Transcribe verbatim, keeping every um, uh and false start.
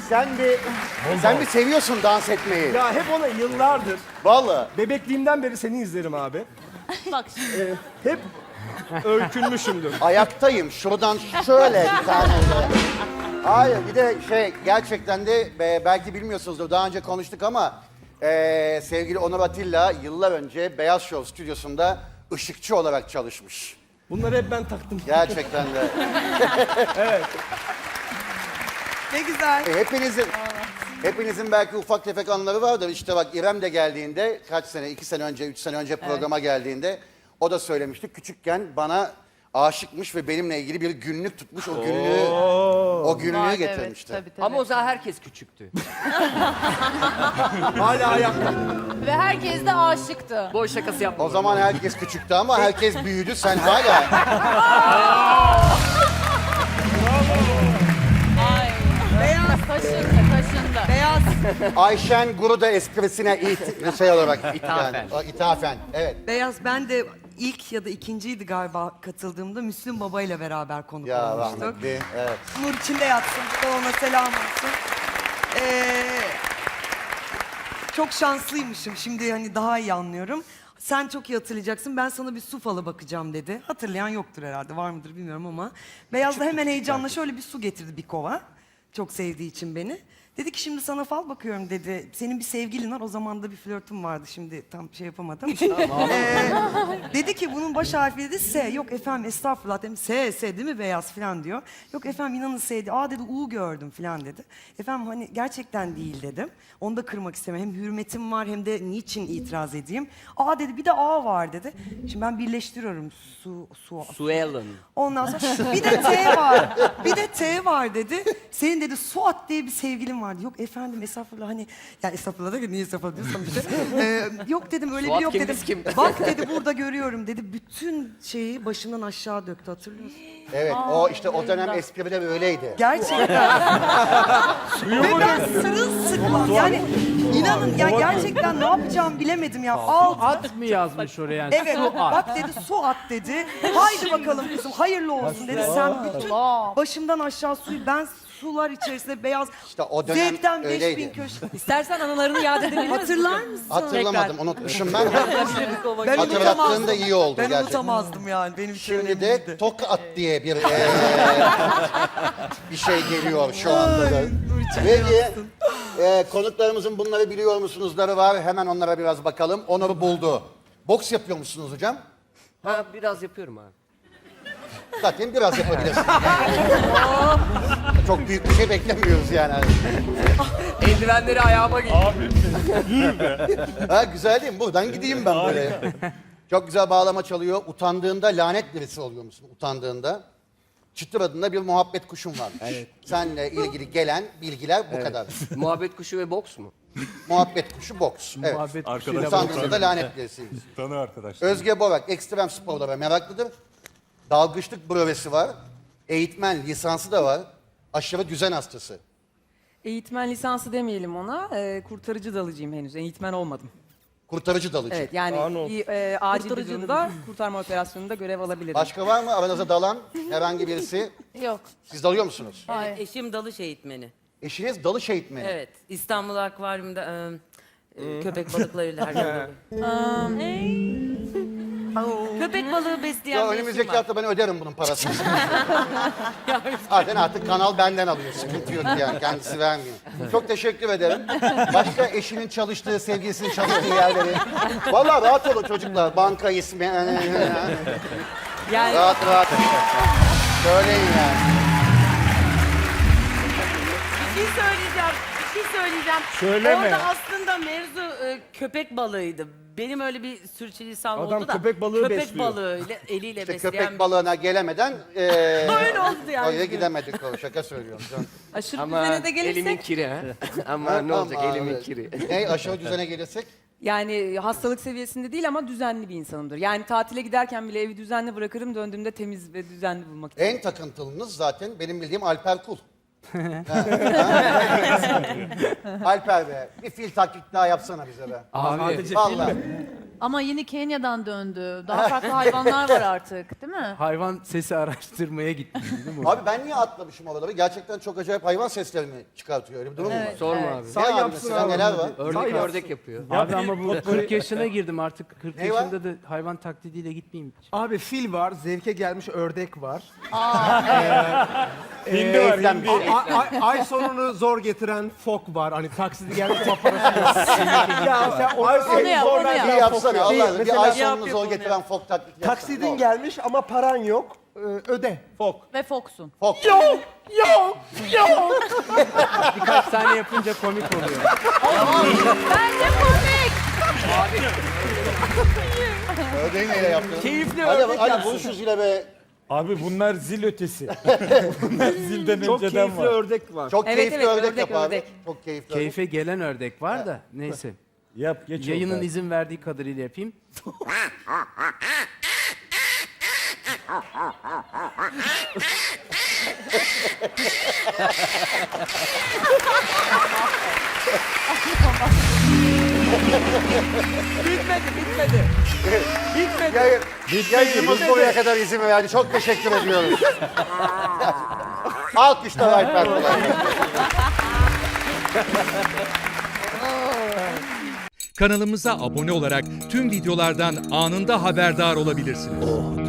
Sen bir, sen bir seviyorsun dans etmeyi. Ya hep ona yıllardır, Vallahi. bebekliğimden beri seni izlerim abi. Bak şimdi. Hep öykünmüşümdür. Ayaktayım. Şuradan şöyle bir tane de. Hayır bir de şey gerçekten de e, belki bilmiyorsunuzdur daha önce konuştuk ama e, sevgili Onur Atilla yıllar önce Beyaz Show stüdyosunda ışıkçı olarak çalışmış. Bunları hep ben taktım. Gerçekten de. Ne güzel. E, hepinizin hepinizin belki ufak tefek anıları vardır. İşte bak İrem de geldiğinde kaç sene, iki sene önce, üç sene önce programa geldiğinde o da söylemişti. Küçükken bana aşıkmış ve benimle ilgili bir günlük tutmuş. O günlüğü, o günlüğü Vardı, getirmişti. Evet, tabii, tabii. Ama o zaman herkes küçüktü. Hala ayakta. Ve herkes de aşıktı. Boş şakası yapma. O zaman herkes küçüktü ama herkes büyüdü. Sen hala Ay. Beyaz. Kaşındı, kaşındı. Beyaz. Ayşen Guru'da esprisine it, şey olarak İthafen. yani, o ithafen. Evet. Beyaz ben de ilk ya da ikinciydi galiba katıldığımda Müslüm Baba ile beraber konuk Ya olmuştuk. rahmetli. Evet. Nur içinde yatsın. Bu da ona selam olsun. Ee, çok şanslıymışım. Şimdi hani daha iyi anlıyorum. Sen çok iyi hatırlayacaksın. Ben sana bir su falı bakacağım dedi. Hatırlayan yoktur herhalde. Var mıdır bilmiyorum ama. Beyaz da hemen heyecanla şöyle bir su getirdi bir kova. Çok sevdiği için beni. Dedi ki şimdi sana fal bakıyorum dedi. Senin bir sevgilin var. O zaman da bir flörtüm vardı. Şimdi tam şey yapamadım. Ee, dedi ki bunun baş harfi dedi S. Yok efendim estağfurullah dedim. S, S değil mi beyaz falan diyor. Yok efendim inanın S dedi. Aa dedi U gördüm falan dedi. Efendim hani gerçekten değil dedim. Onu da kırmak istemem. Hem hürmetim var hem de niçin itiraz edeyim. Aa dedi bir de A var dedi. Şimdi ben birleştiriyorum. Su, su, Suellen. Ondan sonra bir de T var. Bir de T var dedi. Senin dedi Suat diye bir sevgilin vardı. Yok efendim estağfurullah hani ya estağfurullah da niye estağfurullah diyorsam işte. Ee, yok dedim öyle Suat biri yok kim, dedim. biz kim? Bak dedi burada görüyorum dedi. Bütün şeyi başından aşağı döktü hatırlıyorsun. Evet. O işte o dönem espriler öyleydi. Gerçekten. Ve ben sırılsıklam yani inanın ya gerçekten ne yapacağımı bilemedim ya. Al At mı yazmış oraya? Yani? evet bak dedi su at dedi. Haydi bakalım kızım hayırlı olsun dedi. Sen bütün başımdan aşağı suyu ben sular içerisinde beyaz İşte o dönem zevkten beş bin öyleydi. köşe. İstersen anılarını yad edebilir misin? Hatırlar mısın? Hatırlamadım, unutmuşum ben. Ben Hatırlattığın unutamazdım. da iyi oldu Ben gerçekten. unutamazdım yani benim için Şimdi önemliydi. de Tokat diye bir eee, bir şey geliyor şu anda da. Peki eee, konuklarımızın bunları biliyor musunuzları var. Hemen onlara biraz bakalım. Onur'u buldu. Boks yapıyor musunuz hocam? Ha, biraz yapıyorum abi. Zaten biraz yapabilirsiniz. Çok büyük bir şey beklemiyoruz yani. Eldivenleri ayağıma giy. Ha, güzel değil mi? Buradan gideyim ben böyle. Çok güzel bağlama çalıyor. Utandığında lanet birisi oluyor musun? Utandığında. Çıtır adında bir muhabbet kuşun var. Evet. Seninle ilgili gelen bilgiler bu kadar. Muhabbet kuşu ve boks mu? Muhabbet kuşu boks. Evet. Muhabbet Arkadaş- Utandığında da lanet birisiymiş. Tanı arkadaş. Özge Borak ekstrem sporlara meraklıdır. Dalgıçlık brövesi var. Eğitmen lisansı da var. Aşırı düzen hastası. Eğitmen lisansı demeyelim ona. Ee, kurtarıcı dalıcıyım henüz. Eğitmen olmadım. Kurtarıcı dalıcı. Evet yani Aa, ne oldu? bir e, acil bir durumda kurtarma operasyonunda görev alabilirim. Başka var mı aranızda dalan herhangi birisi? Yok. Siz dalıyor musunuz? Hayır. Eşim dalış eğitmeni. Eşiniz dalış eğitmeni. Evet. İstanbul Akvaryum'da e, e, köpek balıklarıyla her gün Köpek balığı besleyen Ya bir önümüzdeki eşim var. hafta ben öderim bunun parasını. Zaten artık kanal benden alıyor. Sıkıntı yok yani. Kendisi vermiyor. Çok teşekkür ederim. Başka eşinin çalıştığı, sevgilisinin çalıştığı yerleri. Vallahi rahat olun çocuklar. Banka ismi. Yani Rahat rahat. Söyleyin yani. Bir şey söyleyeceğim. Bir şey söyleyeceğim. Söyleme. Orada aslında mevzu e, köpek balığıydı. Benim öyle bir sürçülisan Adam oldu da. köpek balığı köpek besliyor. balığıyla eliyle İşte besleyen köpek bir- balığına gelemeden eee Öyle oldu yani. oraya gidemedik. O şaka söylüyorum. Can. aşırı Ama düzene de elimin gelirsek kiri ha. Ama ne olacak Ama elimin evet. kiri. Ne aşağı düzene gelirsek? yani hastalık seviyesinde değil ama düzenli bir insanımdır. Yani tatile giderken bile evi düzenli bırakırım. Döndüğümde temiz ve düzenli bulmak için. En takıntılınız zaten benim bildiğim Alper Kul. Ha. Alper be, bir fil taklit daha yapsana bize be. Abi Vallahi. Ama yeni Kenya'dan döndü. Daha farklı hayvanlar var artık, değil mi? Hayvan sesi araştırmaya gittim değil mi? Abi ben niye atlamışım oraları? Gerçekten çok acayip hayvan sesleri mi çıkartıyor? Öyle bir durum mu var? Sorma abi. Ne Sen abi yapsın mesela abi. neler var? Ördek ördek yapıyor. Abi ama bu kırk yaşına girdim artık. kırk Ne var? yaşında da hayvan taklidiyle gitmeyeyim hiç. Abi fil var, zevke gelmiş ördek var. Hindi var, hindi. A- ay, ay sonunu zor getiren fok var. Hani taksidi gelmiş paparası. ya sen o ay Onu yap, onu Bir yap. yapsana Allah aşkına. Bir Mesela- ay Yap, sonunu yap zor onu getiren fok taklidi yapsana. Taksidin gelmiş ama paran yok. Ee, öde. Fok. Ve Fox'un. Fok. Yok, yok, yok. Birkaç saniye yapınca komik oluyor. Bence komik. Ördeği neyle yaptın? Keyifli Hadi, ördek hadi yapsın. bul şu zile be. Abi bunlar zil ötesi. bunlar zilden Çok önceden keyifli var. ördek var. Çok Evet, keyifli evet, ördek, ördek, yap abi. ördek. Çok keyifli ördek. Keyfe gelen ördek var da neyse. Yap geç Yayının oldu. izin verdiği kadarıyla yapayım. Bitmedi, bitmedi. Bitmedi. Yayın, yayınımız buraya kadar izin verdi. Çok teşekkür ediyoruz. Alkışlar Alper Polat. Kanalımıza abone olarak tüm videolardan anında haberdar olabilirsiniz.